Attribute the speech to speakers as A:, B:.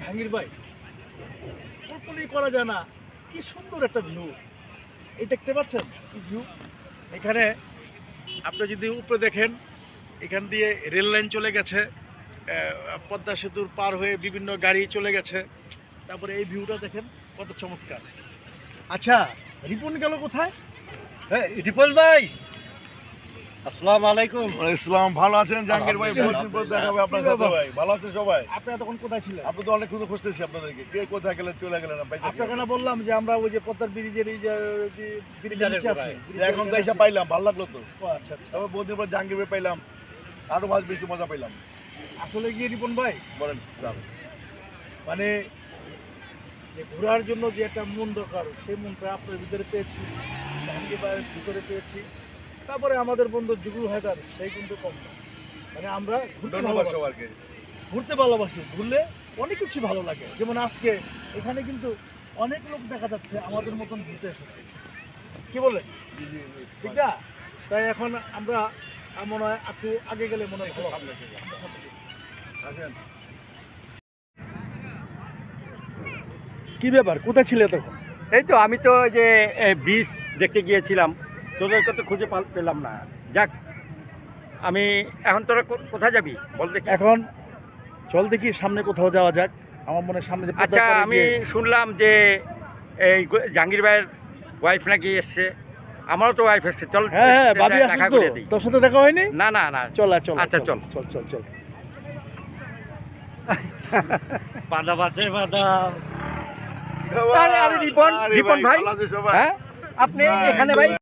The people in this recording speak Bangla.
A: জাহাঙ্গীর ভাই, কল্পনাই করা যায় না কি সুন্দর একটা ভিউ। এই দেখতে পাচ্ছেন কি ভিউ। এখানে আপনি যদি উপরে দেখেন, এখান দিয়ে রেল লাইন চলে গেছে, পদ্মা সেতুর পার হয়ে বিভিন্ন গাড়ি চলে গেছে। তারপরে এই ভিউটা দেখেন কত চমৎকার। আচ্ছা, রিপন গেল কোথায়?
B: হ্যাঁ রিপন ভাই, আসসালামু আলাইকুম।
C: ইসলাম, ভালো আছেন জাহাঙ্গীর ভাই? বহুদিন পর দেখা হবে আপনার সাথে ভাই। ভালো আছেন সবাই?
A: আপনি তখন কোথায় ছিলেন?
C: আপনি তো অনেক খুঁজতেছি আপনাদেরকে, কে কোথায় গেলেন, চলে গেলেন
A: আপনাকে না বললাম যে আমরা ওই যে পদ্মার ব্রিজের এই যে ব্রিজের নিচে আছি।
C: এখন তো এসে পাইলাম, ভালো লাগলো তো।
A: ও আচ্ছা আচ্ছা।
C: তবে বহুদিন পর জাহাঙ্গীর ভাই পাইলাম, আরো ভালো বেশি মজা পাইলাম।
A: আসলে গিয়ে রিপন ভাই,
C: বলেন যান।
A: মানে যে ঘোরার জন্য যে একটা মন দরকার, সেই মনটা আপনার ভিতরে পেয়েছি, জাহাঙ্গীর ভাইয়ের ভিতরে পেয়েছি। তারপরে আমাদের বন্ধু জুগুল হায়দার, সেই কিন্তু কম না। মানে আমরা ঘুরতে
C: ধন্যবাদ
A: ভালোবাসি,
C: সবাইকে।
A: ঘুরতে ভালোবাসি, ঘুরলে অনেক কিছু ভালো লাগে। যেমন আজকে এখানে কিন্তু অনেক লোক দেখা যাচ্ছে আমাদের মতন ঘুরতে এসেছে, কি বলে ঠিক না? তাই এখন আমরা মনে হয় একটু আগে গেলে মনে হয় ভালো হবে।
C: আসেন।
A: কি ব্যাপার, কোথায় ছিলে তখন?
B: এই তো আমি তো ওই যে ব্রিজ দেখতে গিয়েছিলাম, তোদেরকে তো খুঁজে পেলাম না। যাক, আমি এখন তোরা কোথায় যাবি বল দেখি।
A: এখন চল দেখি সামনে কোথাও যাওয়া যাক। আমার মনে হয় সামনে যে
B: আচ্ছা,
A: পদ্মার পাড়ে
B: আমি
A: গিয়ে-
B: শুনলাম যে এই জাহাঙ্গীর ভাইয়ের ওয়াইফ নাকি এসছে। আমারও তো ওয়াইফ এসছে, চল
A: হ্যাঁ হ্যাঁ, ভাবি
B: দেখা
A: আসুন তো।
B: করে দিই।
A: তোর সাথে দেখা হয়নি?
B: না না না,
A: চল চল
B: আচ্ছা, চল।
A: চল চল চল।
B: বাদা বাজে বাদা। আরে রিপন
C: আরে
B: রিপন ভাই,
C: ভালো আছেন সবাই?
B: হ্যাঁ আপনি এখানে ভাই?